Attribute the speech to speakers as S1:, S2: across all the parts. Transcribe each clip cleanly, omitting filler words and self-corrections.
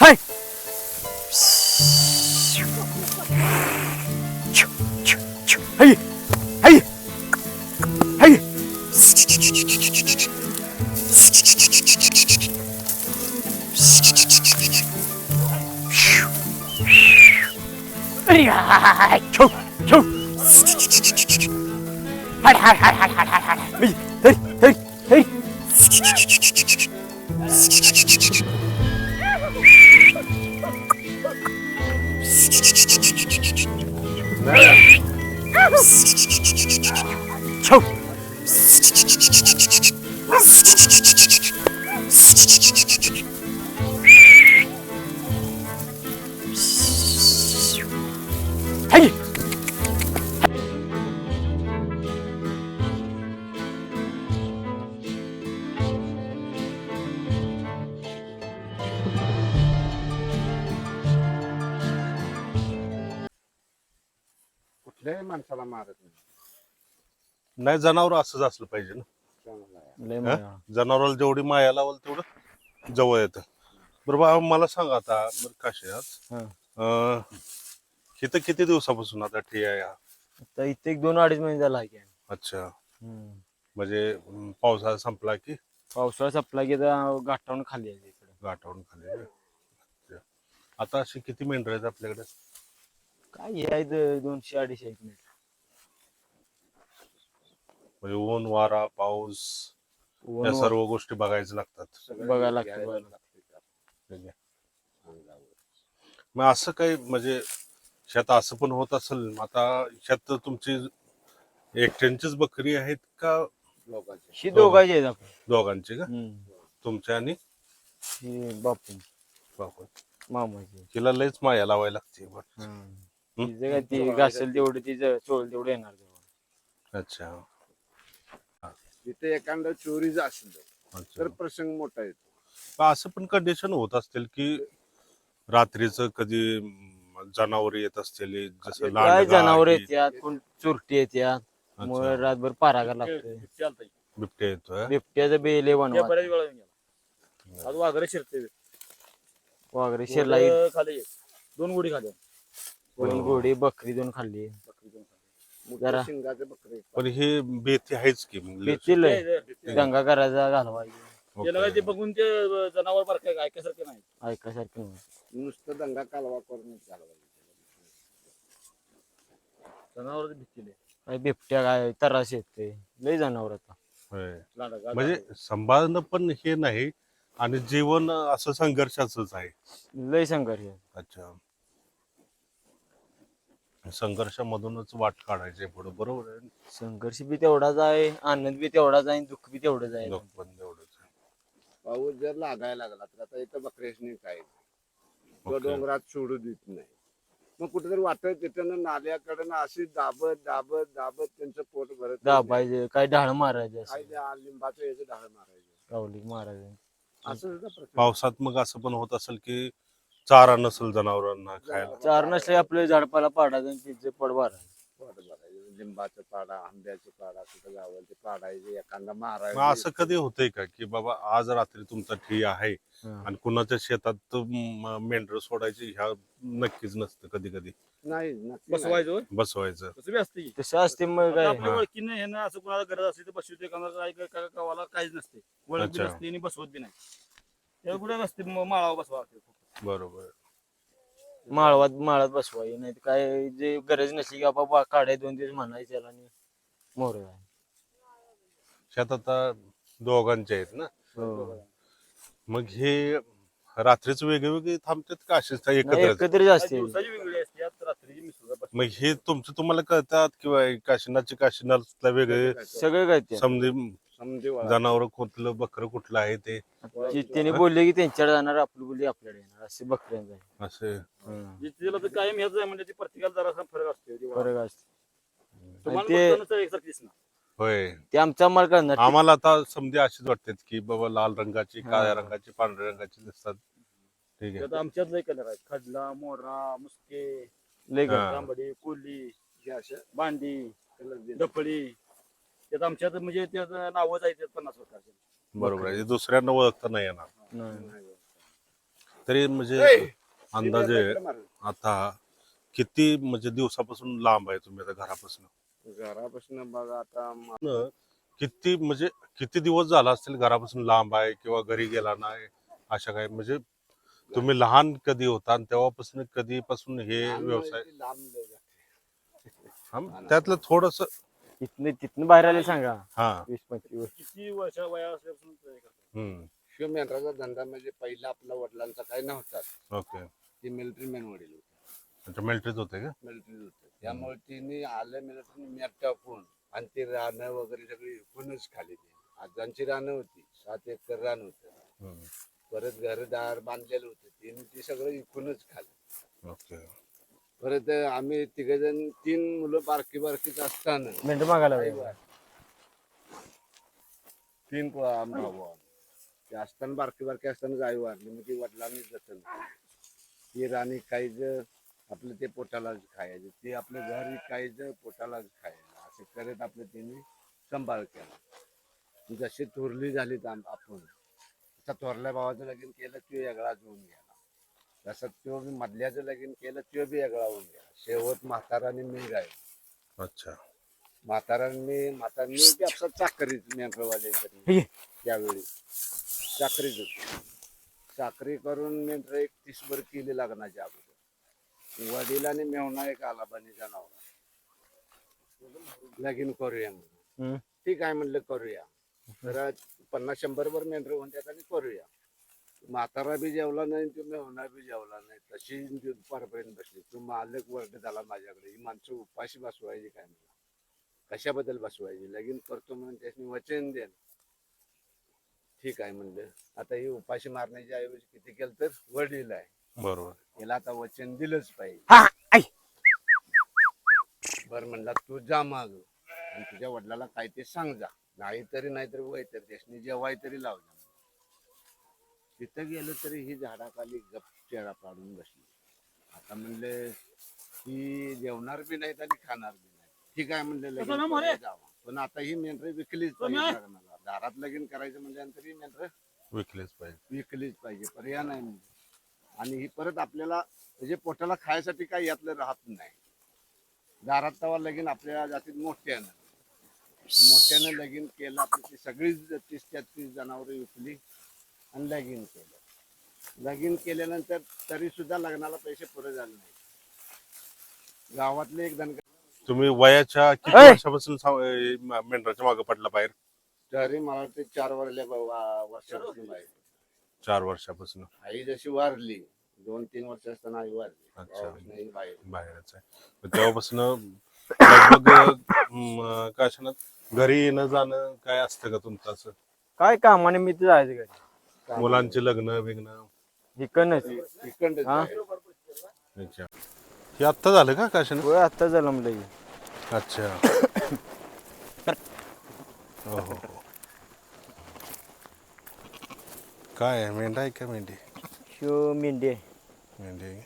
S1: हाय हाय हाय हाय छो छो हाड हाड हाड हाड हाड हाड हाड हरी हरी हरी छो हाय
S2: कुठल्याही माणसाला मारत नाही.
S3: नाही जनावर असंच असलं पाहिजे ना.
S2: चांगला आहे.
S1: लय
S3: हा?
S1: माया.
S3: जनावराला जेवढी माया लावल तेवढं जवळ येतं. बरं बा मला सांग आता बरं काशीनाथ
S1: हा.
S3: इथं किती दिवसापासून आता ठिया या?
S1: आता इथे 2-2.5 महिने झाला आहे की.
S3: अच्छा
S1: हम्म.
S3: म्हणजे पावसाळा संपला की
S1: पावसाळा संपला की आता गाठावून खाली आहे इकडे.
S3: गाठावून खाली आहे. अच्छा. आता अशी किती मेंढर आहेत आपल्याकडे?
S1: काय हे आहेत 200-250 आहेत मिनिट.
S3: म्हणजे ऊन वारा पाऊस या सर्व गोष्टी बघायचं लागतात.
S2: सगळं
S1: बघायला लागतं,
S2: घ्यायला
S1: बघायला
S2: लागतं त्यात
S3: ठीक आहे.
S2: अंगावर.
S3: मग असं काही म्हणजे शेत असं पण होत असेल आता शेत तुमची एकट्यांचीच बकरी आहेत का
S2: लोकांचे
S1: ही दोघांची आहेत आपण.
S3: दोघांची का?
S1: हम्म.
S3: तुमच्या आणि
S1: ही बापू
S3: बापू
S1: मामाची.
S3: तिला लयच माया लावायला लागते बघ.
S1: तिचं काय ती घासेल तेवढं तिचं चोळ तेवढं येणार तेव्हा.
S3: अच्छा
S2: तिथे एखादा चोरीच असेल तर
S3: अच्छा
S2: प्रसंग मोठा येतो.
S3: पण असं पण कंडिशन होत असतील की रात्रीचं कधी जनावर येत असतील जसं
S1: काय
S3: लांडगा
S1: जनावर
S3: ही
S1: येत्यात कोण चुरटी येत्यात मग
S3: अच्छा
S1: रातभर पारागा लागतोय.
S3: बिबट्या येतोय
S1: बिबट्याचं बेले बनवा
S4: वाघरे शिरते
S1: वगैरे शिरला
S4: खाली 2 गोडी खाली
S1: 2 घोडी बकरी 2 खाल्ली. जरा
S2: शिंगाचे बकरे
S3: पण हे भीती आहेच की मग
S1: भीती लय दंगा करायचा घालवायची
S4: त्याला ते बघून ते जनावर बार काय ऐकायसारखे नाही
S1: ऐकायसारखं नाही.
S2: नुसतं दंगा कालवा करून चालवायचे.
S4: जनावर भीतीले
S1: काय बिबट्या काय तरास येते लय जनावर आता.
S3: होय.
S4: लांडा
S3: म्हणजे सांभाळणं पण हे नाही आणि जीवन असं संघर्षाचंच आहे.
S1: लय संघर्ष आहे.
S3: अच्छा संघर्षामधूनच वाट काढायची पुढे बरोबर आहे.
S1: संघर्ष बी तेवढाच आहे आनंद बी तेवढाच आहे दुःख बी तेवढंच आहे.
S3: दुःख पण तेवढंच आहे.
S2: पाऊस जर लागायला लागला तर आता इथं बकऱ्यासनी काय तो
S3: ओके.
S2: डोंगरात सोडू देत नाही. मग कुठेतरी वाटत तिथं नाल्याकडे अशी दाबत दाबत दाबत त्यांचं पोट भरत
S1: दाबायचे काय ढाळ मारायचे
S2: काय
S1: असं
S2: त्या लिंबाचं याचं डाळ मारायचं
S1: कावली मारायचे.
S2: असं सुद्धा प्रसंग.
S3: पावसात मग असं पण होत असेल की चारा नसेल जनावरांना खायला.
S1: चार नसले आपले झाडपाला पाडायचं आणि तिचे पड मारायचं.
S2: पोट भरायचं लिंबाचं पाडा आंब्याचं पाडा कुठं गावल ते पाडायचे एखादा
S3: मग
S2: मारायचं.
S3: असं कधी होतंय का की बाबा आज रात्री तुमचा ठिया आहे
S1: हा.
S3: आणि कुणाच्या शेतात मेंढर सोडायची ह्या नक्कीच नसतं कधी कधी
S2: नाही नक्की नाही.
S4: बसवायचो
S3: बसवायचं.
S4: तसं बी असते
S1: तसं असते मग काय
S4: आपल्या ओळखीने हे ना असं कोणाला गरज असली तर बसवते गावाला काहीच नसते ओळख बी
S3: अच्छा.
S4: नसते आणि बसवत बी नाही तेव्हा कुठे नसते माळावर बसवा
S3: बरोबर
S1: माळात बसवाय नाही काय जे गरज नसली की बाबा काढाय 2 दिवस म्हणायचे त्याला आणि मोर
S3: शेतात आता दोघांचे आहेत ना
S1: हो.
S3: मग हे रात्रीच वेगवेगळे थांबतात का असेच
S1: नाही
S3: एकत्र
S1: एकत्रित असते.
S4: दिवसाची वेगळी असते आता रात्रीची मिसळ
S3: मग हे तुमचं तुम्हाला कळतात किंवा काशीनाथला वेगळे
S1: सगळे काय ते
S3: समजे
S2: समजे वळा.
S3: जनावर कुठलं बकरं कुठलं आहे ते
S1: त्यांनी बोलले की त्यांच्याकडे जाणार आपली बोलली आपल्याकडे येणार असे बकऱ्यांचा आहे.
S3: असे
S4: तिला तर कायम हेच आहे म्हणजे ती प्रत्येकाला जरा फरक असतो
S1: फरक असते
S4: तुम्हाला
S1: ते-
S4: बघताना एकसारखी दिसणार
S3: होय
S1: ते आमचा माल करणार
S3: आम्हाला आता समजे अशीच वाटतात की बाबा लाल रंगाची काळ्या रंगाची पांढऱ्या रंगाची दिसतात ठीक आहे
S4: आता आमच्यात लय कलर आहेत खडला मोरा मुसके
S1: लय
S3: हा.
S4: तांबडी कोली
S2: हे असं
S4: भांडी
S2: कलर दिले.
S4: डफळी त्यात आमच्यात म्हणजे त्याचं नावच आहे त्यात 50 प्रकारचे
S3: बरोबर आहे दुसऱ्यांना ओळखता नाही येणार
S1: नाही.
S3: तरी म्हणजे अंदाजे आता किती म्हणजे दिवसापासून लांब आहे तुम्ही आता घरापासून?
S2: घरापासून बघा आता
S3: किती म्हणजे किती दिवस झाला असतील घरापासून लांब आहे किंवा घरी गेला नाही अशा काय म्हणजे तुम्ही लहान कधी होता आणि तेव्हापासून कधीपासून हे व्यवसाय?
S2: लांब लय जाते.
S3: त्यातलं थोडस
S1: तिथनं बाहेर आले सांगा
S3: हा
S1: 20-25
S4: किती वर्ष वया असल्यापासून ते करता?
S2: शिव मेंढराचा धंदा म्हणजे पहिला आपला वडिलांचा काही नव्हता.
S3: ओके.
S2: ते मिलिटरी मॅन वडील होते.
S3: अच्छा मिलिटरीत होते का?
S2: मिलिटरी होते त्यामुळे तिने आलं मिलिटरी मॅट टाकून आणि ते रानं वगैरे सगळी एकूणच खाली. ते आजांची रानं होती 7 एकर रान होतं. परत घरदार बांधलेलं होतं तिने ते सगळं एकूणच खाल्लं.
S3: ओके.
S2: परत आम्ही तिघजण 3 मुलं बारकी बारकीच असताना
S1: मेंढर मागायला
S2: आई वारली. 3 भाऊ ते असताना बारकी बारकी असताना आई वारली. मग ती वडिलांनी जतन ती राणी काहीच आपलं ते पोटालाच खायचं, ते आपलं घर विकायचं पोटालाच खायचं, असं करत आपलं तिने सांभाळ केला. जशी थोरली झाली आपण तसा थोरल्या भावाचं लगीन केलं तो वेगळाच होऊन गेला. तसं तो मधल्याचं लगीन केलं तो बी वेगळा होऊन गेला. शेवट म्हाताराने मी राहिलो.
S3: अच्छा.
S2: म्हातारांनी बी आपला चाकरीच मेंढरवाल्यांकडे त्यावेळी चाकरीच होती. चाकरी करून मेंढर 31 वर केली लग्नाच्या अगोदर. वडिलांनी मेवणा एक आला बनीचा नाव लगीन करूया म्हणून. ठीक आहे म्हणलं करूया. तर 50-100 वर मेंढर होऊन त्यात आणि करूया. म्हातारा बी जेवला नाही तो मेवणा बी जेवला नाही. तशी दुपारपर्यंत बसली. तो मालक वरडत आला माझ्याकडे, ही माणसं उपाशी बसवायची काय म्हणला. कशाबद्दल बसवायची? लगीन करतो म्हणून त्याने वचन द्या. ठीक आहे म्हणलं. आता ही उपाशी मारण्याच्या ऐवजी किती केलं तर वडील आहे
S3: बरोबर
S2: याला आता वचन दिलंच पाहिजे. बर म्हणला तू जा माग आणि तुझ्या वडिलाला काय ते सांग जा. नाहीतरी वय तर त्याने जेवाय तरी लाव जा. तिथं गेलं तरी ही झाडाखाली गप चेहरा पाडून बसली. आता म्हणले ही जेवणार बी नाहीत आणि खाणार बी नाही. ठीक आहे म्हणले लगीन जावा. पण आता ही मेंढर विकलीच पाहिजे लग्नाला. दारात लगीन करायचं म्हणल्यानंतर ही मेंढर विकलीच पाहिजे. पर्याय नाही म्हणजे. आणि ही परत आपल्याला म्हणजे पोटाला खायसाठी काही यातलं राहत नाही. दारात तवा लगीन आपल्या जातीत मोठ्यानं लगीन केलं. आपली ती सगळी 30-33 जनावर विकली आणि लगीन केलं. लगीन केल्यानंतर तरी सुद्धा लग्नाला पैसे पुरे झाले नाही. गावातले एक धनगर
S3: तुम्ही वयाच्या किती वर्षापासून मेंढराच्या मागे पडला बाहेर?
S2: तरी मला वाटते 4 वर्षापासून बाहेर.
S3: 4 वर्षापासून.
S2: आई जशी वारली 2-3 वर्ष असताना आई वारली.
S3: अच्छा.
S2: बाहेरच
S3: आहे तेव्हापासून लगभग काय घरी येणं जाणं काय असतं का तुमचं असं?
S1: काय कामानिमित्त जायचं घरी.
S3: मुलांचे लग्न बिग्न
S1: इकडनंच
S3: अच्छा. हे आत्ता झालं का काशन?
S1: होय आत्ता जन्मलं की.
S3: अच्छा. हो हो हो. काय आहे मेंढा आहे का मेंढी?
S1: शिव मेंढी आहे.
S3: मेंढी आहे.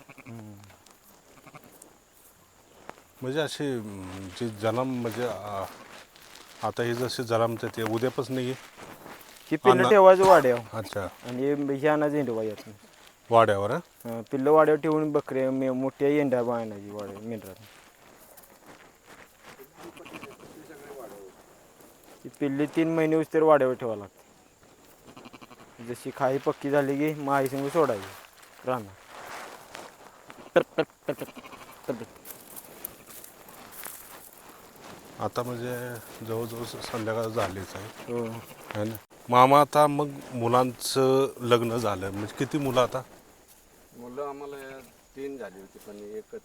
S3: म्हणजे असे जे जन्म म्हणजे आता हे जसे जन्मते ते उद्यापासून नाही
S1: ती पिल्लं ठेवायचं वाड्यावर.
S3: अच्छा.
S1: आणि हे आणायचं हिंडवा यातून
S3: वाड्यावर.
S1: पिल्लं वाड्यावर ठेवून बकरे मोठ्या येंड्या बांधायची वाड्या मेंढरात. ती पिल्ली 3 महिने होस तर वाड्यावर ठेवावं लागते. जशी खाई पक्की झाली की मग आई संग सोडायची राहणार.
S3: आता म्हणजे जवळजवळ संध्याकाळ झालीच आहे.
S1: हो.
S3: है ना. मामा आता मग मुलांचं लग्न झालं म्हणजे किती मुलं आता?
S2: मुलं आम्हाला 3 झाली होती पण एकच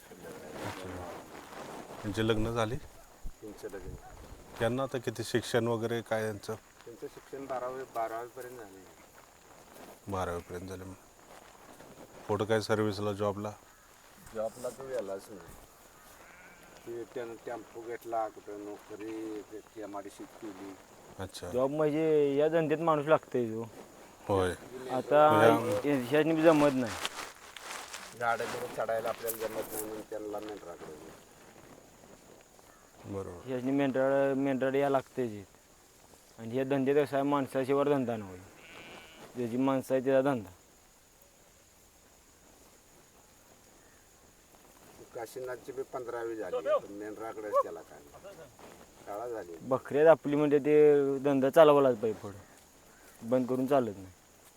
S3: म्हणजे लग्न झाली.
S2: 3चं लग्न.
S3: त्यांना आता किती शिक्षण वगैरे काय यांचं?
S2: त्यांचं शिक्षण 12वी पर्यंत झाले.
S3: 12वी पर्यंत झाले. पुढं काय सर्व्हिसला जॉबला
S2: तो गेलाच नाही. त्यानं टेम्पो घेतला कुठं नोकरी MIDC केली.
S3: अच्छा.
S1: जॉब म्हणजे या धंद्यात माणूस लागतोय जो.
S3: होय.
S1: आता ह्याच्यानी जमत नाही.
S2: झाडाकडे चढायला आपल्याला जमत नाही म्हणून त्यांना मेंढराकडे.
S3: बरोबर.
S1: ह्याच्यानी मेंढराड या लागते. आणि ह्या धंद्यात कसा आहे माणसाशिवाय धंदा नव्हे. ज्याची माणसं आहे त्याचा धंदा.
S2: काशीनाथची बी 15वी झाली पण मेंढराकडेच त्याला काय शाळा झाली.
S1: बकऱ्यात आपली म्हणजे ते धंदा चालवायलाच पाहिजे पुढं, बंद करून चालत नाही.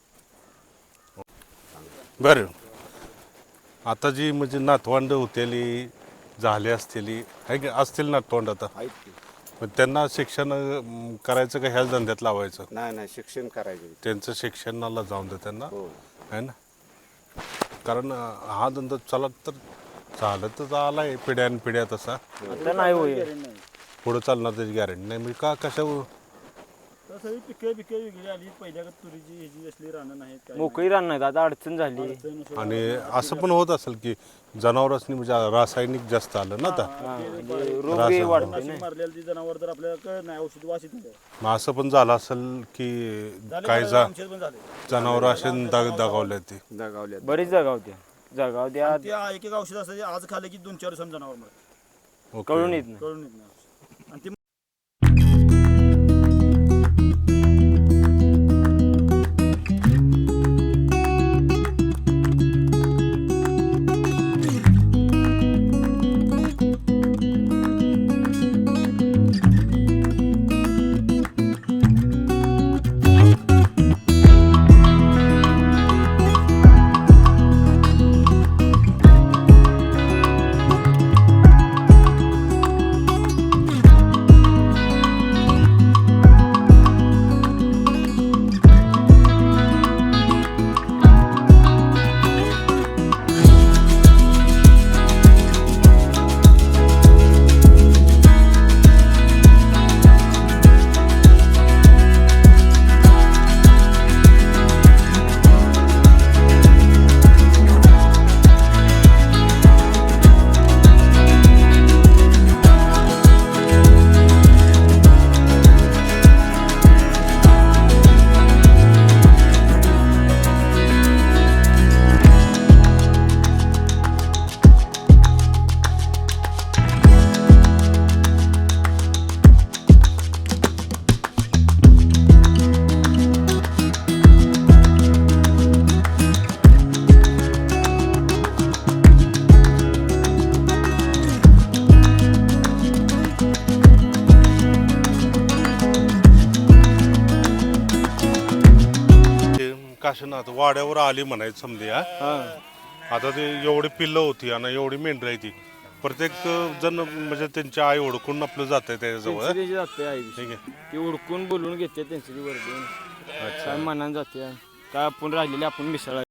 S3: बरं आता जी म्हणजे नातवंड होतेली झाले असतेली आहे की असतील नातवंड आता,
S2: आहेत की.
S3: पण त्यांना शिक्षण करायचं का ह्याच धंद्यात लावायचं?
S2: नाही शिक्षण करायचं.
S3: त्यांचं शिक्षणाला जाऊन दे त्यांना,
S2: हो
S3: आहे ना. कारण हा धंदा चला तर चालतच आलाय पिढ्यान पिढ्या तसा,
S1: आता नाही होय.
S4: नाही
S3: पुढं चालणार त्याची गॅरंटी नाही. म्हणजे का कशा
S4: तसं पिके वेगळी आली पहिल्या तुरीची ह्याची असली रानं नाहीत काय
S1: मोकळी रान नाहीत, आता अडचण झाली.
S4: नाही.
S3: आणि असं पण होत असेल की जनावरांनी म्हणजे रासायनिक जास्त आलं ना आता,
S1: म्हणजे रोग बी वाढतोय
S4: नाशिक
S1: ना.
S4: मारलेली ती जनावर तर आपल्याला कळत नाही, औषध वासित नाही.
S3: मग असं पण झालं असेल की काही
S4: आमच्यात पण झाले
S3: जनावर असे दगावले ते.
S2: दगावल्यात.
S1: बरीच जागा होत्या
S4: ते एक एक औषध असतं आज खाल्लं की 2-4 दिवसांनी जनावर मरत,
S3: ओके.
S1: कळून येत नाही.
S4: कळून येत नाही. आणि ती
S3: काशीनाथ वाड्यावर आली म्हणायचं समजे.
S1: हा
S3: आता ते एवढी पिल्लं होती आणि एवढी मेंढर आहे ती, प्रत्येक जण म्हणजे त्यांच्या आई ओळखून आपलं जात आहे त्याच्याजवळ.
S1: त्यांची जाते आई
S3: ठीक आहे.
S1: ती उडकून बोलून घेते त्यांची ती वरती काय मनानं जाते, काय आपण राहिलेले आपण मिसळ